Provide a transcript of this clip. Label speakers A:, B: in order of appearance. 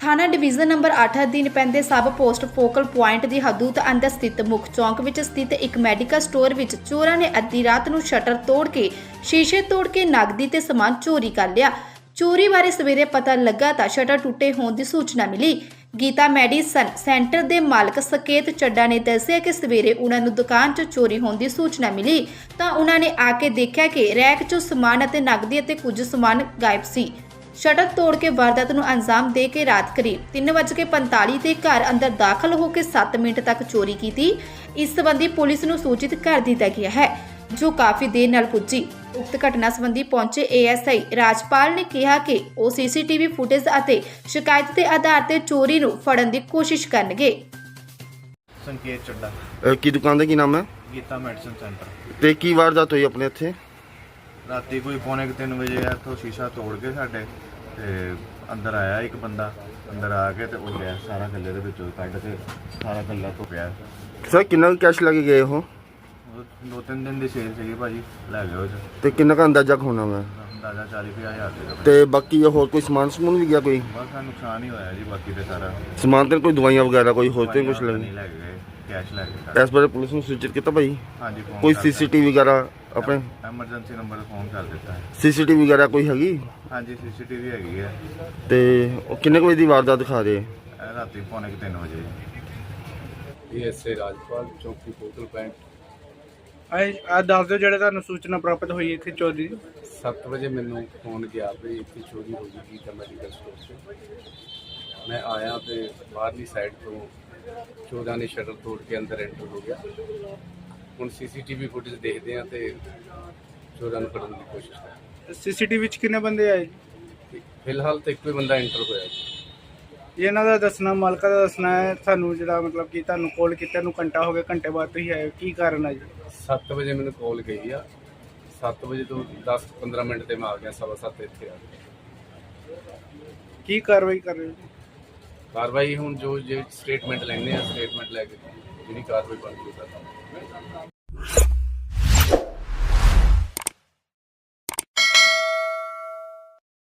A: थाना division number 8 अधीन पैंदे सब पोस्ट फोकल पॉइंट की हदूद अंदर स्थित मुख चौंक विच स्थित एक मैडिकल स्टोर विच चोरां ने अद्धी रात नूं शटर तोड़ के शीशे तोड़ के नगदी ते समान चोरी कर लिया। चोरी बारे सवेरे पता लगा तां शटर टुੱਟੇ होने की सूचना मिली। गीता मैडिसन सेंटर के मालक सकेत चड्डा ने दस्सिया कि सवेरे उन्होंने दुकान च चोरी होने की सूचना मिली तो उन्होंने आके देखा कि रैक चों समान अते नगदी अते कुछ समान गायब सी। शटर तोड़ के वारदात नूं अंजाम दे के रात करीब 3:45 ते घर अंदर दाखिल होकर 7 मिनट तक चोरी की। इस संबंधी पुलिस नूं सूचित कर दिया गया है जो काफ़ी देर नाल पुजी। उक्त घटना संबंधी पहुंचे ASI राजपाल ने कहा कि वो CCTV फुटेज अते शिकायत के आधार पर चोरी नूं फड़न की कोशिश करनगे।
B: संकेत चड्डा
C: की दुकान का की नाम है
B: गीता मैडिसन सेंटर
C: ਤੇ ਕੀ ਵਾਰਦਾਤ ਹੋਈ ਆਪਣੇ ਇੱਥੇ?
B: राती कोई 2:45 ਵਜੇ ਇੱਥੋਂ ਸ਼ੀਸ਼ਾ ਤੋੜ ਕੇ ਸਾਡੇ ਤੇ ਅੰਦਰ ਆਇਆ ਇੱਕ ਬੰਦਾ। ਅੰਦਰ ਆ ਕੇ ਤੇ ਉਹ ਗਿਆ ਸਾਰਾ ਗੱਲੇ ਦੇ ਵਿੱਚੋਂ ਕੱਢ ਕੇ ਸਾਰਾ ਗੱਲਾ ਤੋਂ ਪਿਆ।
C: ਸਰ ਕਿੰਨਾ ਕੈਸ਼ ਲੈ ਕੇ ਗਏ ਉਹ?
B: ਉਹ 2-3 ਦਿਨ ਦੀ ਸੇਲ ਸੀਗੀ ਭਾਜੀ, ਲੈ ਗਏ ਉਹ 'ਚ
C: ਤੇ ਕਿੰਨਾ ਕੁ ਅੰਦਾਜ਼ਾ ਹੋਣਾ ਵਾ?
B: ਅੰਦਾਜ਼ਾ 40-50 ਹਜ਼ਾਰ ਦਾ।
C: ਤੇ ਬਾਕੀ ਹੋਰ ਕੋਈ ਸਮਾਨ ਸਮੂਨ ਵੀ ਗਿਆ ਕੋਈ?
B: ਬਸ ਸਾਨੂੰ ਨੁਕਸਾਨ ਹੀ ਹੋਇਆ ਜੀ, ਬਾਕੀ ਤੇ ਸਾਰਾ
C: ਸਮਾਨ ਤੇ ਕੋਈ ਦਵਾਈਆਂ ਵਗੈਰਾ ਕੋਈ ਹੋਰ ਤੇ ਕੁਝ
B: ਨਹੀਂ ਲੈ ਗਏ, ਕੈਸ਼ ਲੈ ਗਏ।
C: ਇਸ ਬਾਰੇ ਪੁਲਿਸ ਨੂੰ ਸੂਚਿਤ ਕੀਤਾ ਭਾਈ?
B: ਹਾਂਜੀ, ਫੋਨ
C: ਕੋਈ
B: ਕਰਤਾ।
C: CCTV ਵਗੈਰਾ ਆਪਣੇ
B: ਐਮਰਜੈਂਸੀ ਨੰਬਰ ਫੋਨ ਕਰ ਦਿੱਤਾ ਹੈ।
C: CCTV ਵਗੈਰਾ ਕੋਈ ਹੈਗੀ?
B: ਹਾਂਜੀ, CCTV ਹੈਗੀ ਹੈ।
C: ਤੇ ਉਹ ਕਿੰਨੇ ਕੁ ਵਜੇ ਦੀ ਵਾਰਦਾਤ ਦਿਖਾ ਰਹੇ?
B: ਇਹ ਰਾਤੀ 2:45 ਵਜੇ।
D: ASI ਰਾਜਪਾਲ ਚੌਕੀ ਫੋਕਲ ਪੁਆਇੰਟ।
E: ਆ ਦੱਸ ਦਿਓ ਜਿਹੜੇ ਤੁਹਾਨੂੰ ਸੂਚਨਾ ਪ੍ਰਾਪਤ ਹੋਈ ਇੱਥੇ ਚੋਰੀ ਦੀ।
D: 7 ਵਜੇ ਮੈਨੂੰ ਫੋਨ ਗਿਆ ਵੀ ਇੱਥੇ ਚੋਰੀ ਹੋ ਗਈ ਤਾਂ ਮੈਡੀਕਲ ਸਟੋਰ 'ਚ। ਮੈਂ ਆਇਆ ਤੇ ਬਾਹਰਲੀ ਸਾਈਡ ਤੋਂ ਚੋਰਾਂ ਨੇ ਸ਼ਟਰ ਤੋੜ ਕੇ ਅੰਦਰ ਐਂਟਰ ਹੋ ਗਿਆ। ਹੁਣ CCTV ਫੁਟੇਜ ਦੇਖਦੇ ਆ ਤੇ ਚੋਰਾਂ ਨੂੰ ਫੜਨ ਦੀ ਕੋਸ਼ਿਸ਼ ਕਰ।
E: CCTV ਵਿੱਚ ਕਿੰਨੇ ਬੰਦੇ ਆਏ ਜੀ?
D: ਫਿਲਹਾਲ ਤਾਂ ਇੱਕੋ ਹੀ ਬੰਦਾ ਐਂਟਰ ਹੋਇਆ ਜੀ।
E: ਇਹਨਾਂ ਦਾ ਦੱਸਣਾ, ਮਾਲਕਾਂ ਦਾ ਦੱਸਣਾ ਹੈ ਸਾਨੂੰ ਜਿਹੜਾ ਮਤਲਬ ਕਿ ਤੁਹਾਨੂੰ ਕਾਲ ਕੀਤਾ ਨੂੰ ਘੰਟਾ ਹੋ ਗਿਆ, ਘੰਟੇ ਬਾਅਦ ਤੁਸੀਂ ਆਏ, ਕੀ ਕਾਰਨ ਹੈ ਜੀ?
D: 7 ਵਜੇ ਮੈਨੂੰ ਕਾਲ ਗਈ ਆ। 7 ਵਜੇ ਤੋਂ 10-15 ਮਿੰਟ ਤੇ ਮੈਂ ਆ ਗਿਆ, 7:15 ਇੱਥੇ ਆ ਗਿਆ।
E: ਕੀ ਕਾਰਵਾਈ ਕਰ ਰਹੇ ਹੋ ਜੀ?
D: ਕਾਰਵਾਈ ਹੁਣ ਜੋ ਜੇ ਸਟੇਟਮੈਂਟ ਲੈਣੇ ਆ, ਸਟੇਟਮੈਂਟ ਲੈ ਕੇ ਜਿਹੜੀ ਕਾਰਵਾਈ ਬਣਦੀ ਉਹ ਕਰਾਂਗੇ।